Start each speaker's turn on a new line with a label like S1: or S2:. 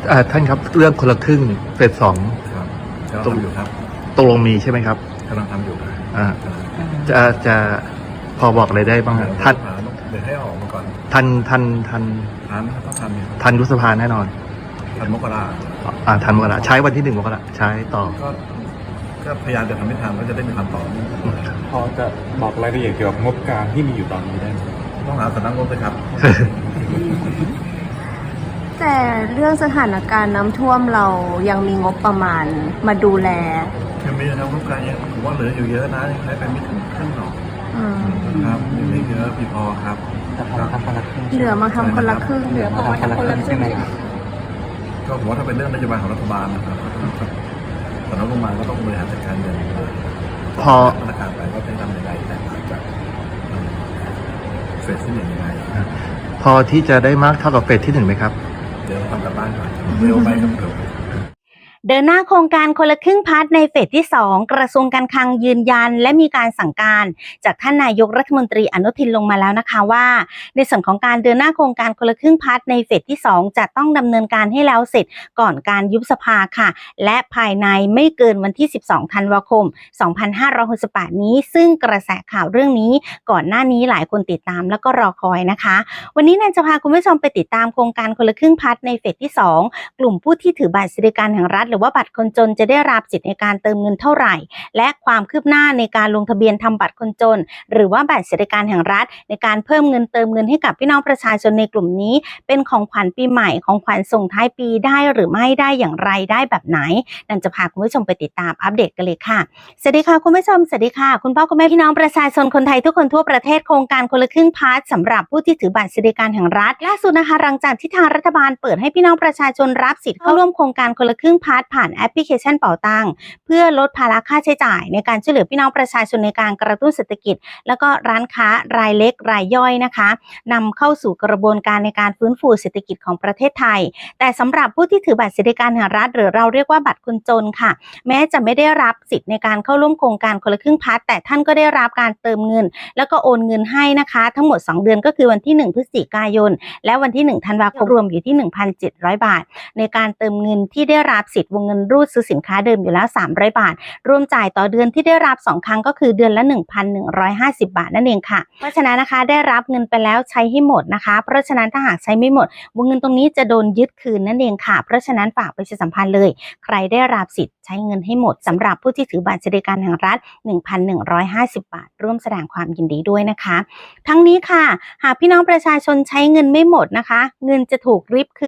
S1: ท่านครับเรื่องคนละครึ่งเฟสสอง
S2: ครับกำลังทำอยู่ครับ
S1: ตกลงมีใช่ไหมครับ
S2: กำลังทำอยู่ครับ
S1: จะพอบอกอะไรได้บ้างท่าน
S2: เดี๋ยวให้ออกมาก่อน
S1: ทัน
S2: ต้องทำ
S1: ทันยุบสภาแน่นอน
S2: ทันมกรา
S1: ทันมกราใช้วันที่1 มกราใช้ต่อ
S2: ก็พยายามจะทำให้ทันก็จะได้มีคำตอบ
S3: พอจะบอกรายละเอียดเกี่ยวกับงบกลางที่มีอยู่ตอนนี้ได้ไหม
S2: ต้องหาสำนักงบเลยครับ
S4: แต่เรื่องสถานการณ์น้ำท่วมเรายังมีงบประมาณมาดูแล
S2: ยังมีนะครับงบกลางยังผมว่าเหลืออยู่เยอะนะยังใช้ไปไม่ถึงครึ่งหรอกครับยังไม่เยอะพี่พอครับ
S4: เหลือมาทำคนละครึ่ง
S3: เหลือพอทำคนละครึ่งใช่ไหม
S2: ก็ผมว่าถ้าเป็นเรื่องนโยบายของรัฐบาลนะครับสำนักงบประมาณก็ต้องบริหารจัดการเงินพอมาตรการไปว่าเป็นทำยังไงแต่จากเฟสที่1ยังไง
S1: พอที่จะได้มากเท่ากับเฟสที่1ไหมครับ
S2: เดี๋ยวทำกับบ้านก่อนเร็วไปครับเร็ว
S5: เดินหน้าโครงการคนละครึ่งพาร์ทในเฟสที่2กระทรวงการคลังยืนยันและมีการสั่งการจากท่านนายกรัฐมนตรีอนุทินลงมาแล้วนะคะว่าในส่วนของการเดินหน้าโครงการคนละครึ่งพาร์ทในเฟสที่2จะต้องดำเนินการให้แล้วเสร็จก่อนการยุบสภาค่ะและภายในไม่เกินวันที่12ธันวาคม2568นี้ซึ่งกระแสข่าวเรื่องนี้ก่อนหน้านี้หลายคนติดตามแล้วก็รอคอยนะคะวันนี้แนนจะพาคุณผู้ชมไปติดตามโครงการคนละครึ่งพาร์ทในเฟสที่2กลุ่มผู้ที่ถือบัตรสวัสดิการแห่งรัฐหรือว่าบัตรคนจนจะได้รับสิทธิในการเติมเงินเท่าไหร่และความคืบหน้าในการลงทะเบียนทำบัตรคนจนหรือว่าบัตรสวัสดิการแห่งรัฐในการเพิ่มเงินเติมเงินให้กับพี่น้องประชาชนในกลุ่มนี้เป็นของขวัญปีใหม่ของขวัญส่งท้ายปีได้หรือไม่ได้อย่างไรได้แบบไหนนั่นจะพาคุณผู้ชมไปติดตามอัปเดตกันเลยค่ะสวัสดีค่ะคุณผู้ชมสวัสดีค่ะคุณพ่อคุณแม่พี่น้องประชาชนคนไทยทุกคนทั่วประเทศโครงการคนละครึ่งพาร์ทสำหรับผู้ที่ถือบัตรสวัสดิการแห่งรัฐล่าสุดนะคะหลังจากที่ทางรัฐบาลเปิดให้พี่น้องประชาชนรับสิทธิ์เข้าร่วมโครงการคนละครึ่งพาร์ทผ่านแอปพลิเคชันเป๋าตังค์เพื่อลดภาระค่าใช้จ่ายในการช่วยเหลือพี่น้องประชาชนในการกระตุ้นเศรษฐกิจแล้วก็ร้านค้ารายเล็กรายย่อยนะคะนำเข้าสู่กระบวนการในการฟื้นฟูเศรษฐกิจของประเทศไทยแต่สำหรับผู้ที่ถือบัตรสวัสดิการแห่งรัฐหรือเราเรียกว่าบัตรคนจนค่ะแม้จะไม่ได้รับสิทธิ์ในการเข้าร่วมโครงการคนละครึ่งพาร์ทแต่ท่านก็ได้รับการเติมเงินแล้วก็โอนเงินให้นะคะทั้งหมด2เดือนก็คือวันที่1พฤศจิกายนและวันที่1ธันวาคมรวมอยู่ที่ 1,700 บาทในการเติมเงินที่ได้รับสิทธิ์วงเงินรูดซื้อสินค้าเดิมอยู่แล้ว300 บาทรวมจ่ายต่อเดือนที่ได้รับ2ครั้งก็คือเดือนละ 1,150 บาทนั่นเองค่ะเพราะฉะนั้นนะคะได้รับเงินไปแล้วใช้ให้หมดนะคะเพราะฉะนั้นถ้าหากใช้ไม่หมดวงเงินตรงนี้จะโดนยึดคืนนั่นเองค่ะเพราะฉะนั้นฝากประชาสัมพันธ์เลยใครได้รับสิทธิ์ใช้เงินให้หมดสำหรับผู้ที่ถือบัตรสวัสดิการแห่งรัฐ 1,150 บาทร่วมแสดงความยินดีด้วยนะคะทั้งนี้ค่ะหากพี่น้องประชาชนใช้เงินไม่หมดนะคะเงินจะถูกริบคื